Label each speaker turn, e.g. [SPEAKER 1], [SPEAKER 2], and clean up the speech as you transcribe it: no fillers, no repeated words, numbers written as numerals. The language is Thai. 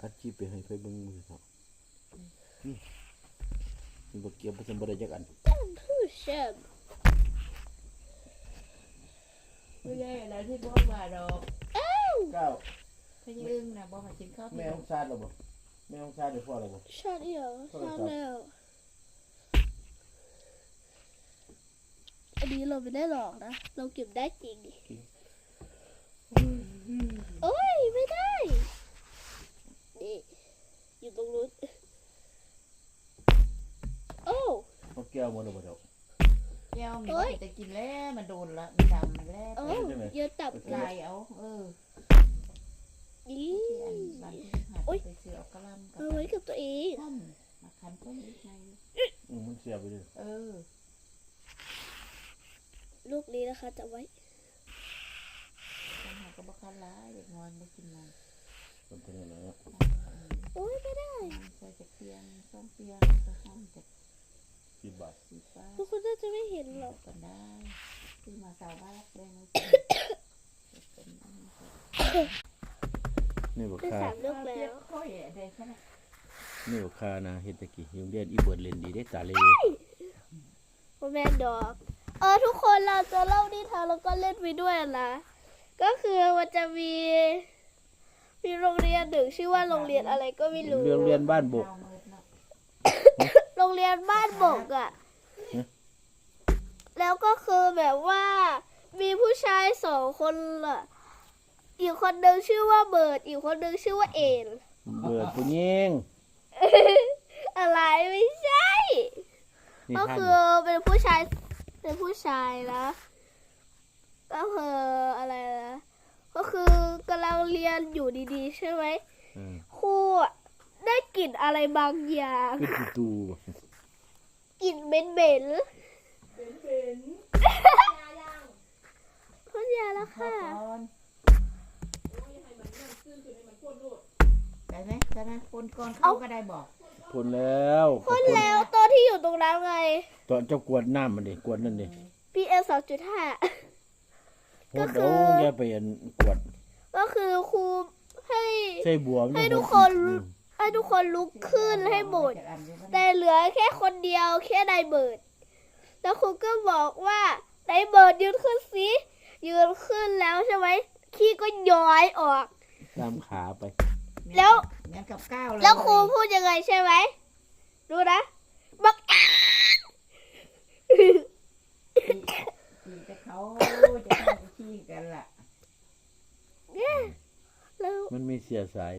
[SPEAKER 1] อัดจีไปให้ไฟเบิ่งมือครับนี่มีบักเกียบผสมบริจักอัน
[SPEAKER 2] ผู้ชม
[SPEAKER 3] ไม่ได้อะไรที่บอกมาดอก
[SPEAKER 1] เก้า
[SPEAKER 3] พะยึงนะบอกมากินข้าว
[SPEAKER 1] แม่ของชาติหรอบ่แม่ของชาติเดี๋ยวพ่ออะไรบ่
[SPEAKER 2] ชาติเดียวชาติแล้วอันนี้เราไม่ได้หลอกนะเราเก็บได้จริงโอ้ยไม่ได้นี่อยู่ตรงนู้นโอ้
[SPEAKER 1] เขาแก้วหมดแล้วบ่เดี๋ยว
[SPEAKER 3] แก้วมันจะกินแล้วมันโดนละมันดำแล้ว
[SPEAKER 2] โอ้เยอะตับเล
[SPEAKER 3] ลาย ยเอา
[SPEAKER 2] อี
[SPEAKER 3] ที่อันบันหัดไปเสือเอากระลำกับ
[SPEAKER 2] เอาไว้กับตัวเอง
[SPEAKER 3] ต้มมาคันต้มนิดใน
[SPEAKER 1] มันเสียไปเลย
[SPEAKER 2] ลูกนี้นะคะจะไว้
[SPEAKER 3] ทำหากระบอกคันร้ายเด็กนอนไม่กินมัน
[SPEAKER 1] เป็นตัวนี้นะ
[SPEAKER 2] โอ้ยไม่ได้
[SPEAKER 3] ใส่จากเตียงส้มเตียงก็ห้องจาก
[SPEAKER 1] 10 บาท
[SPEAKER 3] สีฟ้า
[SPEAKER 2] ทุกคนน่าจะไม่เห็นหรอก
[SPEAKER 3] กันได้ที่มาสาวบ้านรักแดงเลยเป็น
[SPEAKER 1] นี่บ่
[SPEAKER 2] ได้
[SPEAKER 1] ค่า
[SPEAKER 2] 3 ลูกแล้ว
[SPEAKER 3] ค่อยได้ใช่ไหม
[SPEAKER 1] นี่บ่ค่านะเฮ็ดตะกี้โรงเรียนอีเบิดเล่นดีได้ตาเลย
[SPEAKER 2] โอแมนดอกทุกคนเราจะเล่านิทานแล้วก็เล่นไปด้วยนะก็คือมันจะมีโรงเรียนหนึ่งชื่อว่าโรงเรียนอะไรก็ไม่รู้
[SPEAKER 1] โรงเรียนบ้านบก
[SPEAKER 2] โรงเรียนบ้านบกอ่ะ แล้วก็คือแบบว่ามีผู้ชาย2 คนอ่ะอีกคนหนึ่งชื่อว่าเบิร์ดอีกคนหนึ่งชื่อว่าเอ็น
[SPEAKER 1] เบิดผู้หญิง
[SPEAKER 2] อะไรไม่ใช่
[SPEAKER 1] นี่
[SPEAKER 2] ก็
[SPEAKER 1] ท่าน
[SPEAKER 2] คือเป็นผู้ชายนะก็คืออะไรนะก็คือกำลังเรียนอยู่ดีๆใช่ไหมครูได้กลิ่นอะไรบางอย่าง
[SPEAKER 1] เป็นตู
[SPEAKER 2] กลิ่นเหม็นพ่นยาแล้วค่ะ
[SPEAKER 3] ได้ไหมได้ไหมคนก่อนเข้าก็ได้บอก
[SPEAKER 1] พ่นแล้ว
[SPEAKER 2] พ่นแล้วตัวที่อยู่ตรงนั้นไง
[SPEAKER 1] ตอนเจ้ากวดน้ำมันดิกวดนั่นดิ
[SPEAKER 2] PM 2.5
[SPEAKER 1] พ่นโอ้แกไปอันกวด
[SPEAKER 2] ก็คือครูให้
[SPEAKER 1] ใส่บัว
[SPEAKER 2] ให้ทุกคนลุกขึ้นให้หมดแต่เหลือแค่คนเดียวแค่นายเบิร์ดแล้วครูก็บอกว่านายเบิร์ดยืนขึ้นสิยืนขึ้นแล้วใช่ไหมขี้ก็ย้อยออก
[SPEAKER 1] ตามขาไป
[SPEAKER 3] งั้นกับก้าวเลย
[SPEAKER 2] แล้วครูพูดยังไงใช่ไหมดูนะบัก
[SPEAKER 3] แต่เขาจะทำขี้กันล่ะ
[SPEAKER 2] แล้ว
[SPEAKER 1] มันมีเสียสาย